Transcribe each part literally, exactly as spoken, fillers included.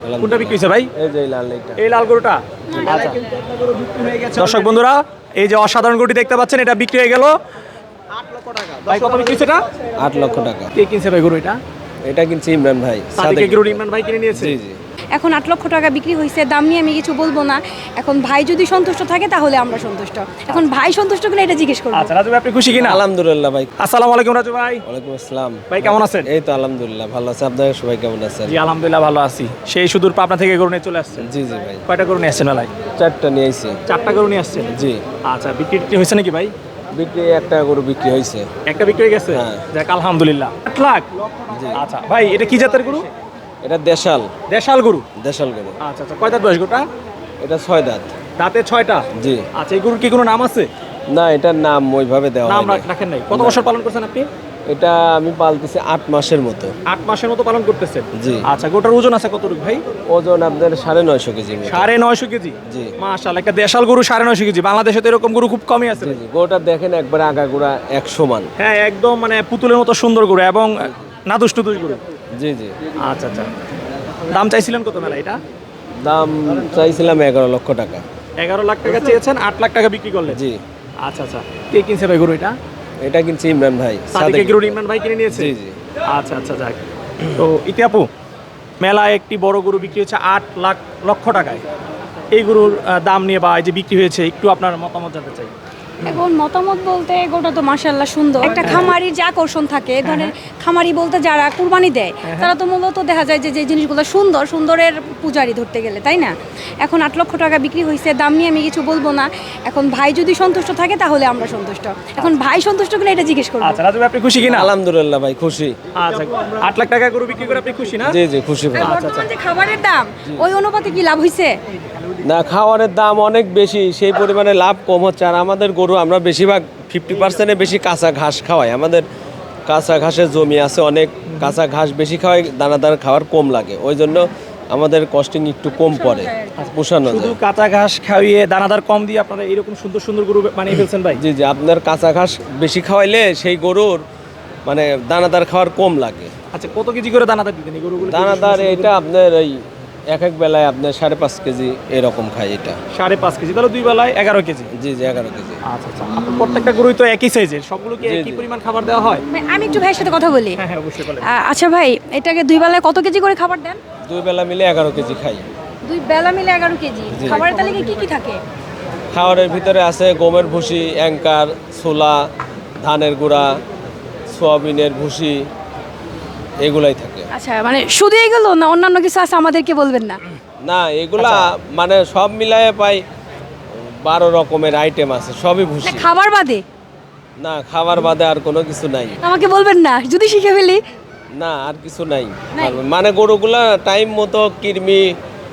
কোনটা বিক্রি হয়েছে ভাই? এই যে লাল এটা। এই লাল গরুটা। আচ্ছা, দর্শক বন্ধুরা এই যে অসাধারণ গরুটি দেখতে পাচ্ছেন, এটা বিক্রি হয়ে গেল আট লক্ষ টাকা। ভাই কত বিক্রি হয়েছে এটা? আট লক্ষ টাকা। কে কিনছে ভাই গরু এটা? এটা কিনছে ইমরান ভাই। সাদিক গরু ইমরান ভাই কিনে নিয়েছে। জি জি। এখন আট লক্ষ টাকা বিক্রি হয়েছে, দাম নিয়ে আমি কিছু বলবো না। এখন ভাই যদি সন্তুষ্ট থাকে তাহলে আমরা সন্তুষ্ট। এখন ভাই সন্তুষ্ট কিনা এটা জিজ্ঞেস করবো। আচ্ছা রাজু ভাই, আপনি খুশি কিনা? আলহামদুলিল্লাহ ভাই। আসসালামু আলাইকুম রাজু ভাই। ওয়ালাইকুম আসসালাম। ভাই কেমন আছেন? এই তো আলহামদুলিল্লাহ ভালো আছে। আপনারা সবাই কেমন আছেন? জি আলহামদুলিল্লাহ ভালো আছি। সেই সুদূর পাবনা থেকে গরু নিয়ে চলে আসছেন। জি জি ভাই। কয়টা গরু নিয়ে আসছেন ভাই? চারটা নিয়ে আইছি। চারটা গরু নিয়ে আসছেন। জি। আচ্ছা, বিক্রি টিক্রি হয়েছে নাকি ভাই? বিক্রি একটা গরু বিক্রি হয়েছে। একটা বিক্রি হয়ে গেছে? হ্যাঁ। যাক আলহামদুলিল্লাহ। আট লাখ। জি। আচ্ছা ভাই, এটা কি জাতের গরু? এটা দেশাল। দেশাল গরু। দেশাল গরু। আচ্ছা আচ্ছা, কয় দাঁত বয়স গরুটা? এটা ছয় দাঁত। দাঁতে ছয়টা। জি। আচ্ছা, এই গরুর কি কোনো নাম আছে? না, এটার নাম ওইভাবে দেওয়া নাম হয়নি। রাখেন নাই। কত না। বছর পালন করছেন আপনি? এটা আমি পালতেছি আট মাসের মতো। আট মাসের মতো পালন করতেছেন। জি। আচ্ছা, গরুটার ওজন আছে কতটুকু ভাই? ওজন আপনার সাড়ে নয়শো কেজি মতো। সাড়ে নয়শো কেজি। জি। মাশাআল্লাহ, একটা দেশাল গরু সাড়ে নয়শো কেজি। বাংলাদেশে তো এরকম গরু খুব কমই আছে। জি জি। গরুটা দেখেন একবার আগাগোড়া এক সমান। হ্যাঁ, একদম মানে পুতুলের মতো সুন্দর গরু এবং নাদুস টুদুস গরু। জি জি। আচ্ছা আচ্ছা, দাম চাইছিলেন কত মেলা এটা? দাম চাইছিলাম এগারো লক্ষ টাকা। এগারো লাখ টাকা চেয়েছেন, আট লাখ টাকা বিক্রি করলেন। জি। আচ্ছা আচ্ছা, কে কিনছে ভাই গরু এটা? এটা কিনছে ইমরান ভাই। সাদিক গরু ইমরান ভাই কিনে নিয়েছে। জি জি। আচ্ছা আচ্ছা, যাক। তো ইতি আপু, মেলায় একটি বড় গরু বিক্রি হচ্ছে আট লাখ লক্ষ টাকায়। এই গরুর আহ, দাম নিয়ে বা এই যে বিক্রি হয়েছে, একটু আপনার মতামত জানতে চাই। এখন মতামত বলতে গোটা তো মাশাআল্লাহ সুন্দর। একটা খামারির যে আকর্ষণ থাকে, এই ধরনের খামারি বলতে যারা কুরবানি দেয় তারা তো মূলত দেখা যায় যে যে জিনিসগুলো সুন্দর সুন্দরের পূজারি ধরতে গেলে, তাই না? এখন আট লক্ষ টাকা বিক্রি হয়েছে, দাম নিয়ে আমি কিছু বলবো না। এখন ভাই যদি সন্তুষ্ট থাকে তাহলে আমরা সন্তুষ্ট। এখন ভাই সন্তুষ্ট কিনা এটা জিজ্ঞেস করবো। আচ্ছা রাজু ভাই, আপনি খুশি কিনা? আলহামদুলিল্লাহ ভাই, খুশি। আচ্ছা, আট লাখ টাকা গরু বিক্রি করে আপনি খুশি না? জি জি, খুশি ভাই। আর বর্তমান যে খাবারের দাম, ওই অনুপাতে কি লাভ হয়েছে? না, খাওয়ারের দাম অনেক বেশি, সেই পরিমাণে লাভ কম হচ্ছে। আর আমাদের গরু আমরা বেশিরভাগ ফিফটি পার্সেন্টের বেশি কাঁচা ঘাস খাওয়াই। আমাদের কাঁচা ঘাসের জমি আছে অনেক, কাঁচা ঘাস বেশি খাওয়াই, দানাদার খাওয়ার কম লাগে, ওই জন্য আমাদের কস্টিং একটু কম পড়ে, পোষানো শুধু যায়। কাঁচা ঘাস খাইয়ে দানাদার কম দিয়ে আপনারা এরকম সুন্দর সুন্দর গরু বানিয়ে ফেলছেন ভাই। জি জি, আপনার কাঁচা ঘাস বেশি খাওয়াইলে সেই গরুর মানে দানাদার খাওয়ার কম লাগে। আচ্ছা, কত কেজি করে দানাদার দিতেন এই গরুগুলো? দানাদার এটা আপনার এই এক এক বেলায় আপনার সাড়ে পাঁচ কেজি এরকম খাই এটা। সাড়ে পাঁচ কেজি, তাহলে দুই বেলায় এগারো কেজি। জি জি, এগারো কেজি। আচ্ছা আচ্ছা, আপনার প্রত্যেকটা গরুই তো একই সাইজের, সবগুলো কি জি, একই জি। পরিমাণ খাবার দেওয়া হয়? ভাই, আমি একটু ভাইয়ের সাথে কথা বলি। হ্যাঁ হ্যাঁ, অবশ্যই বলেন। আ- আচ্ছা ভাই, এটাকে দুই বেলায় কত কেজি করে খাবার দেন? দুই বেলা মিলে এগারো কেজি খাই। দুই বেলা মিলে এগারো কেজি। জি। খাবারের তালিকায় কি কি থাকে? খাবারের ভিতরে আছে গমের ভুসি, অ্যাঙ্কার, ছোলা, ধানের গুঁড়া, সয়াবিনের ভুসি, এগুলাই থাকে। আচ্ছা, মানে শুধু এগুলো না অন্যান্য কিছু আছে আমাদেরকে বলবেন না? না, এগুলা মানে সব মিলায়ে পাই বারো রকমের আইটেম আছে, সবই না, ভুসি। খাবার বাদে? না, খাবার বাদে আর কোনো কিছু নাই। আমাকে বলবেন না যদি শিখে ফেলি? না, আর কিছু নাই। নাই। আর মানে গরুগুলা টাইম মতো কৃমি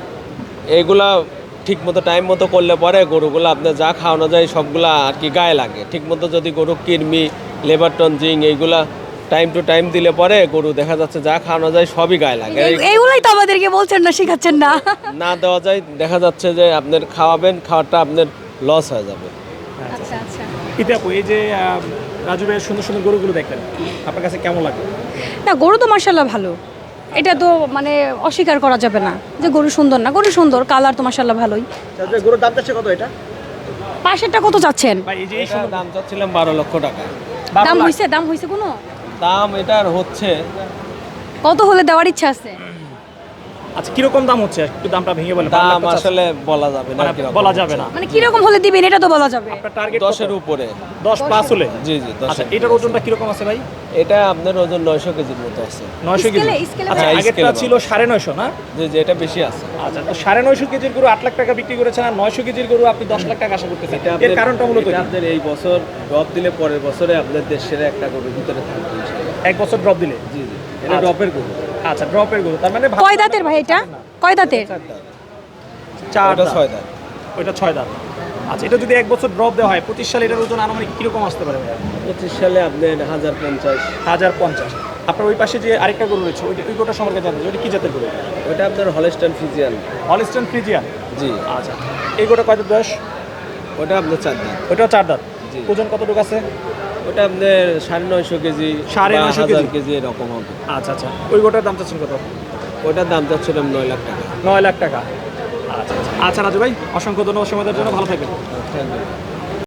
এগুলা ঠিক মতো টাইম মতো করলে পরে গরুগুলা আপনার যা খাওয়ানো যায় সবগুলা আর কি গায়ে লাগে। ঠিক মতো যদি গরু কৃমি, লেবারটন, জিং এইগুলা টাইম টু টাইম দিলে পরে গরু দেখা যাচ্ছে যা খাওয়ানো যায় সবই গায়ে লাগে। এই- এইগুলাই তো আমাদেরকে বলছেন না, শেখাচ্ছেন না। না দেওয়া যায় দেখা যাচ্ছে যে আপনার খাওয়াবেন, খাওয়াটা আপনার লস হয়ে যাবে। আচ্ছা আচ্ছা। ইতি আপু, এই যে আহ, রাজু ভাইয়ের সুন্দর সুন্দর গরুগুলো দেখলেন, আপনার কাছে কেমন লাগে? না, গরু তো মাশাআল্লাহ ভালো। এটা তো মানে অস্বীকার করা যাবে না যে গরু সুন্দর না। গরু সুন্দর, কালার তো মাশাআল্লাহ ভালোই। গরুর দাম চাচ্ছে কত এটা? পাশেরটা কত চাচ্ছেন? ভাই এই যে এই এটার সুন্দর দাম চাচ্ছিলাম বারো লক্ষ টাকা। বারো দাম লাখ। হইছে? দাম হইছে কোনো? দাম এটার হচ্ছে কত হলে দেওয়ার ইচ্ছা আছে? আচ্ছা, কিরকম দাম হচ্ছে একটু দামটা ভেঙে বলেন। বারো দাম লাখ তো আসলে বলা যাবে না, মানে কিরকম বলা যাবে না। মানে কিরকম হলে দিবেন এটা তো বলা যাবে। আপনার টার্গেট দশের উপরে। দশ প্লাস হলে? জি জি, দশের আচ্ছা, উপরে। এটার ওজনটা কিরকম আছে ভাই? এটা আপনার ওজন নয়শো কেজির মতো আছে। নয়শো কেজি। স্কেলে- স্কেলে আচ্ছা, হ্যাঁ, আগেরটা স্কেলে ছিল সাড়ে নয়শো না? জি জি, এটা বেশি আছে। আচ্ছা, তো সাড়ে নয়শো কেজির গরু আট লাখ টাকা বিক্রি করেছেন, আর নয়শো কেজির গরু আপনি দশ লাখ টাকা আশা করতেছেন। এটা এর আপনার- কারণটা মূলত এটা কি? আপনার এই বছর ড্রপ দিলে পরের বছরে আপনার দেশের একটা গরুর ভিতরে থাকবে ইনশাআল্লাহ। এক বছর ড্রপ দিলে? জি জি, এটা আচ্ছা। ড্রপের গরু। আচ্ছা, ড্রপের গরু, তার মানে ভালো- কয় দাঁতের ভাই এটা? কয় দাঁতের? চার দাঁত। চার ওটা দাঁত। ছয় দাঁত। ওইটা ছয় দাঁত। আচ্ছা, এটা যদি এক বছর ড্রপ দেওয়া হয়, পঁচিশ সালে এটার ওজন আনুমানিক কিরকম আসতে পারে ভাই? পঁচিশ সালে আপনার হাজার পঞ্চাশ। হাজার পঞ্চাশ। আপনার ওই পাশে যে আরেকটা গরু রয়েছে, ওইটা ওই গরুটা সম্পর্কে জানেন? ওইটা কি জাতের গরু? ওটা আপনার হলস্টাইন ফ্রিজিয়ান। Holstein Friesian. জি। আচ্ছা, এই গরুটা কয় দাঁত বয়স? ওটা আপনার চার দাঁত। ওইটাও চার দাঁত। জি। ওজন কতটুকু আছে? ওটা আপনার সাড়ে নয়শো কেজি, সাড়ে বা নয়শো হাজার কেজি। কেজি এরকম হবে। আচ্ছা আচ্ছা, ওই গরুটার দাম চাচ্ছেন কত? ওটার দাম যাচ্ছিলাম নয় লাখ টাকা। নয় লাখ টাকা আচ্ছা আচ্ছা। আচ্ছা রাজু ভাই, অসংখ্য ধন্যবাদ সময় দেওয়ার জন্য, ভালো থাকবেন।